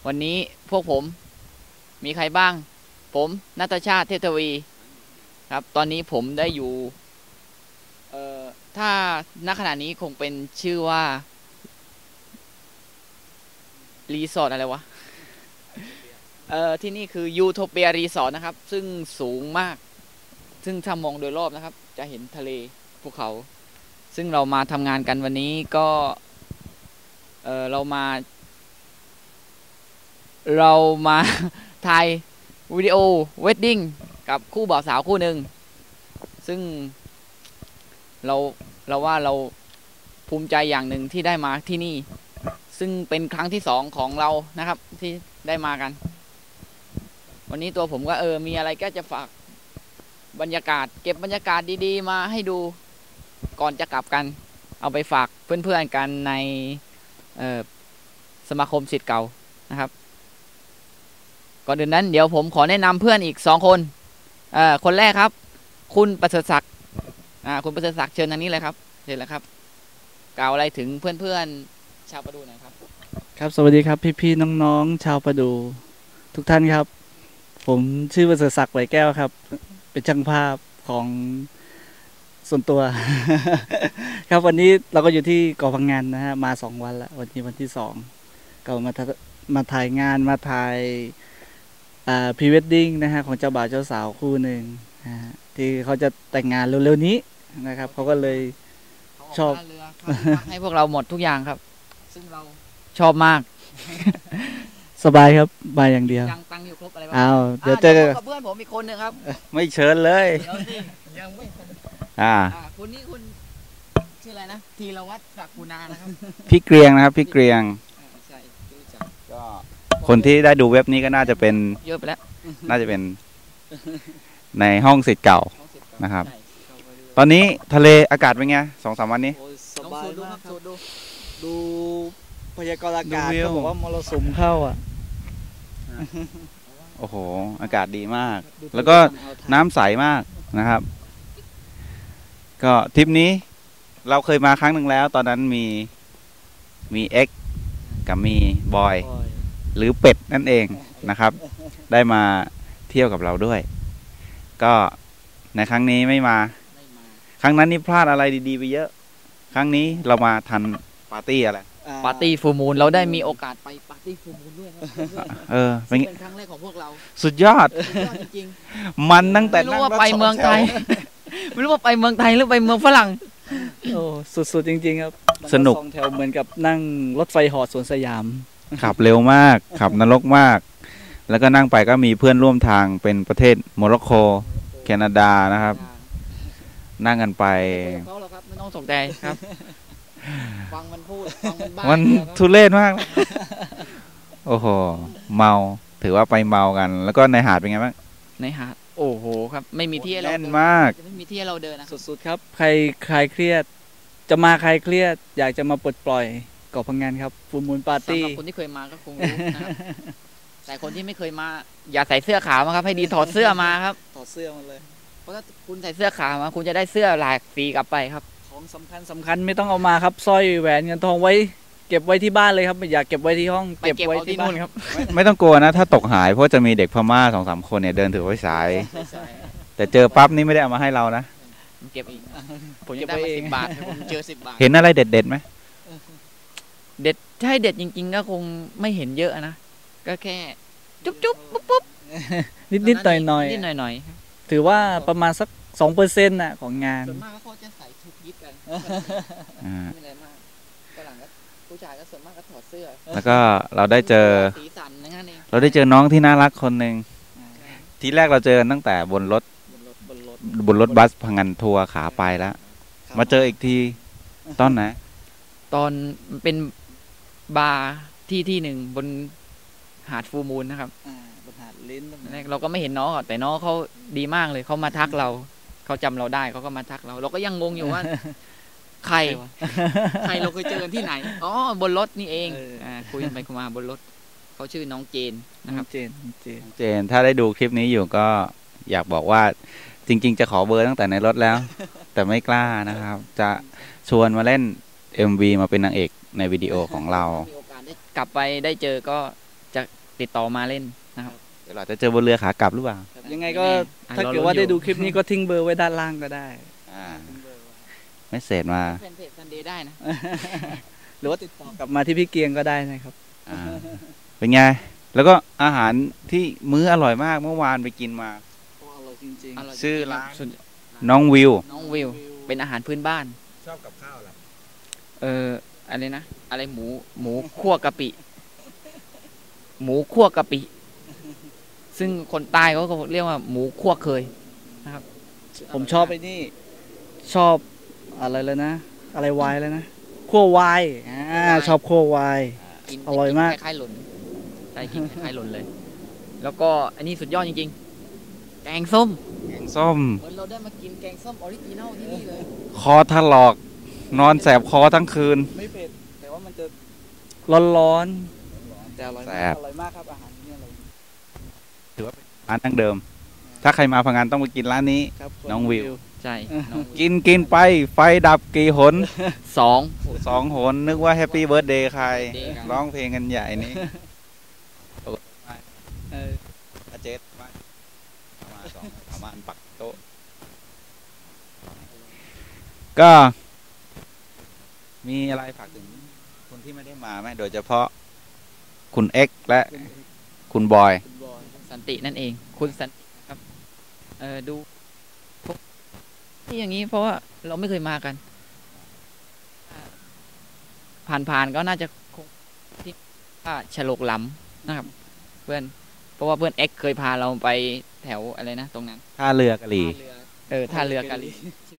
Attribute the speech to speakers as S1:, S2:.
S1: วันนี้พวกผมมีใครบ้างผมณัฐชาติเทพทวีครับตอนนี้ผมได้อยู่ถ้าณขณะนี้คงเป็นชื่อว่ารีสอร์ทอะไรวะที่นี่คือยูโทเปียรีสอร์ทนะครับซึ่งสูงมากซึ่งถ้ามองโดยรอบนะครับจะเห็นทะเลภูเขาซึ่งเรามาทำงานกันวันนี้ก็เรามา ถ่ายวิดีโอเวดดิ้งกับคู่บ่าวสาวคู่หนึ่งซึ่งเราว่าเราภูมิใจอย่างหนึ่งที่ได้มาที่นี่ซึ่งเป็นครั้งที่2ของเรานะครับที่ได้มากันวันนี้ตัวผมก็มีอะไรก็จะฝากบรรยากาศเก็บบรรยากาศดีๆมาให้ดูก่อนจะกลับกันเอาไปฝากเพื่อนๆกันในสมาคมศิษย์เก่านะครับก่อนอื่นนั้นเดี๋ยวผมขอแนะนำเพื่อนอีก2คนคนแรกครับคุณประเสริฐศักดิ์คุณประเสริฐศักดิ์เชิญทางนี้เลยครับเชิญเลยครับกล่าวอะไรถึงเพื่อนๆชาวประดูหน่อยครับ
S2: ครับสวัสดีครับพี่ๆน้องๆชาวประดูทุกท่านครับผมชื่อประเสริฐศักดิ์ไหวแก้วครับเป็นช่างภาพของส่วนตัว ครับวันนี้เราก็อยู่ที่เกาะพังงานนะฮะมา2 วันแล้ววันนี้วันที่2ก็มาถ่ายงานมาถ่ายพรีเวดดิ้งนะฮะของเจ้าบ่าวเจ้าสาวคู่หนึ่งนะฮะที่เขาจะแต่งงานเร็วๆนี้นะครับเขาก็เลยชอบ
S1: ให้พวกเราหมดทุกอย่างครับซึ่งเราชอบมาก
S2: สบายครับบายอย่างเดียว
S1: ยังตังอยู่ครบอะไรบ้
S2: างเดี๋ยวเจอ
S1: กับเพื่อนผมอีกคนนึงครับ
S2: ไม่เชิญเลย
S1: เดี๋ยวสิยังไม่คุณนี่คุณชื่ออะไรนะธีรวัฒน์ศักดิ์กุณานะครับ
S3: พี่เกรียงนะครับพี่เกรียงก็คนที่ได้ดูเว็บนี้ก็น่าจะเป็น
S1: เยอะไปแล้ว
S3: น่าจะเป็นในห้องศิษย์เก่านะครับตอนนี้ทะเลอากาศเป็นไง2-3 วันนี้
S2: สบายมากครับดูพยากรณ์อากาศเขาบอกว่ามรสุมเข้า
S3: โอ้โหอากาศดีมากแล้วก็น้ำใสมากนะครับก็ทริปนี้เราเคยมาครั้งหนึ่งแล้วตอนนั้นมีเอ็กกับมีบอยหรือเป็ดนั่นเองนะครับได้มาเที่ยวกับเราด้วยก็ในครั้งนี้ไม่มาครั้งนั้นนี่พลาดอะไรดีๆไปเยอะครั้งนี้เรามาทันปาร์ตี้อะไร
S1: ปาร์ตี้ฟูลมูนเราได้มีโอกาสไปปาร์ตี้ฟูลมูนด้วยเป็นครั้งแรกของพวกเรา
S3: สุดยอด
S1: จริง
S3: ๆมันตั้งแต่
S1: ไม่รู้ว่าไปเมืองไทยไม่รู้ว่าไปเมืองไทยหรือไปเมืองฝรั่ง
S2: โอ้สุดๆจริงๆครับ
S3: สนุก
S2: 2 แถวเหมือนกับนั่งรถไฟเหาะสวนสยาม
S3: ขับเร็วมากขับนรกมากแล้วก็นั่งไปก็มีเพื่อนร่วมทางเป็นประเทศโมร็อกโกแคนาดานะครับนั่งกันไป
S1: เขาหรอครับไม่ต้องสนใจครับฟังมันพูดฟังมันบ้า
S3: มันทุเรศมากโอ้โหเมาถือว่าไปเมากันแล้วก็ในหาดเป็นไงบ้าง
S1: ในหาดโอ้โหครับไม่มีที่ให้เรา
S3: เล่นมาก
S1: ไม่มีที่ให้เราเดินนะ
S2: สุดๆครับใครคลายเครียดจะมาคลายเครียดอยากจะมาปลดปล่อยเกาะพังงานครับฟูลมูนปาร์ตี้
S1: สำหรับคนที่เคยมาก็คงรู้นะครับแต่คนที่ไม่เคยมาอย่าใส่เสื้อขาวมาครับให้ดีถอดเสื้อมาครับ
S2: ถอดเสื้อมาเลย
S1: เพราะถ้าคุณใส่เสื้อขาวมาคุณจะได้เสื้อหลากสีกลับไปครับ
S2: ของสำคัญไม่ต้องเอามาครับสร้อยแหวนเงินทองไว้เก็บไว้ที่บ้านเลยครับอย่าเก็บไว้ที่ห้อง
S1: เก็บไว้ที่นู่นครับ
S3: ไม่ต้องกลัวนะถ้าตกหายเพราะจะมีเด็กพม่า2-3 คนเนี่ยเดินถือไว้สายแต่เจอปั๊บนี่ไม่ได้เอามาให้เรานะ
S1: เก็บอีกผมจะได้มา10 บาทผมเจอ10 บาท
S3: เห็นอะไรเด็ดไหม
S1: เด็ดใช่เด็ดจริงๆก็คงไม่เห็นเยอะนะก็แค่จุ๊บปุ๊บ
S2: นิดหน่อยถือว่าประมาณสัก2%น่ะของงาน
S1: ส่วนมากเขาจะใส่ชุดยิปกันไม่อะไรมากฝรั่งก็ผู้ชายก็ส่วนมากก็ถอดเสื้อ
S3: แล้วก็เราได้เจอ
S1: สีสันนั่นเอง
S3: เราได้เจอน้องที่น่ารักคนหนึ่งทีแรกเราเจอตั้งแต่บนรถบัสพังงานทัวร์ขาไปแล้วมาเจออีกทีตอนไหน
S1: ตอนเป็นบาร์ที่หนึ่งบนหาดฟูมูลนะครับ
S2: บนหาดลิ้น
S1: เราก็ไม่เห็นน้องแต่น้องเขาดีมากเลยเขามาทักเราเขาจำเราได้เขาก็มาทักเราก็ยังงงอยู่ว่าใครเราเคยเจอกันที่ไหนอ๋อบนรถนี่เองคุยกันไปคุยมาบนรถเขาชื่อน้องเจนนะครับ
S2: เจ
S3: นถ้าได้ดูคลิปนี้อยู่ก็อยากบอกว่าจริงๆจะขอเบอร์ตั้งแต่ในรถแล้วแต่ไม่กล้านะครับจะชวนมาเล่น MV มาเป็นนางเอกในวิดีโอของเรา
S1: มีโอกาสได้กลับไปได้เจอก็จะติดต่อมาเล่นนะครับ
S3: เดี๋ยวเราจะเจอบนเรือขากลับหรือเปล่า
S2: ยังไงก็
S1: อ่ะ
S2: ถ้าเกิด
S1: รอลุ้น
S2: ว่าได้
S1: อยู่
S2: ดูคลิปนี้ก็ทิ้งเบอร์ไว้ด้านล่างก็ได้
S3: อ่าไม่เสร็จมา
S1: แฟนเพจซันเดย์ได้นะ
S2: หรือว่าติดต่อกลับมาที่พี่เกียงก็ได้นะครับ
S3: อ่าเป็นไง แล้วก็อาหารที่มื้ออร่อยมากเมื่อวานไปกินมา
S2: อร่อยจริง
S1: อร่อย
S3: ชื่อ
S1: จงๆ
S3: ร้าน
S1: ส่วน
S3: น้องวิว
S1: น้องวิว เป็นอาหารพื้นบ้าน
S3: ชอบกับข้าวอะไร
S1: อะไรนะ อะไรหมูคั่วกะปิ หมูคั่วกะปิ ซึ่งคนใต้เขาก็เรียกว่าหมูคั่วเคย
S2: ผมชอบไอ้นี่ ชอบอะไรเลยนะ อะไรวายเลยนะคั่ววายชอบคั่ววาย
S1: กิน
S2: อร่อยมาก
S1: คล้ายๆหล่นใช่กินคล้ายๆหล่นเลย แล้วก็อันนี้สุดยอดจริงๆ แกงส้ม
S3: แกงส้ม
S1: เหมือนเราได้มากินแกงส้มออริจินัลที่นี่เลย
S3: คอถลอก นอนแสบคอทั้งคืน
S2: ไม่เผ็ดแต่ว่ามันจะร้อนๆแต่อร่อย
S3: แซ่
S2: มาก
S3: บ
S2: อร่อยมากครับอาหารที่นี่อร่อย
S3: ร้านดั้งเดิม ถ้าใครมาพังงานต้องไปกินร้านนี้
S2: ครับ
S3: น้องวิว
S1: ใช่น้อง
S3: กินไป ไฟดับกี่หน
S1: สอง
S3: 2 หน นึกว่าแฮปปี้เบิร์ดเดย์ใคร
S1: Birthday กัน
S3: ร้องเพลงกันใหญ่นี้
S2: เออ
S3: อาเจสมาประมาณปักโต๊ะ ก็ มีอะไรฝากถึงคนที่ไม่ได้มาไหมโดยเฉพาะคุณเอ็กซ์และคุณบอย
S2: คุณบอย
S1: สันตินั่นเอง คุณสันติครับ ดูที่อย่างนี้เพราะว่าเราไม่เคยมากัน ผ่านๆก็น่าจะคงที่ว่าฉลกหลำนะครับ เพื่อน เพราะว่าเพื่อนเอ็กเคยพาเราไปแถวอะไรนะ ตรงนั้น
S3: ท่าเรือกะหรี่
S1: ท่าเรือกะลี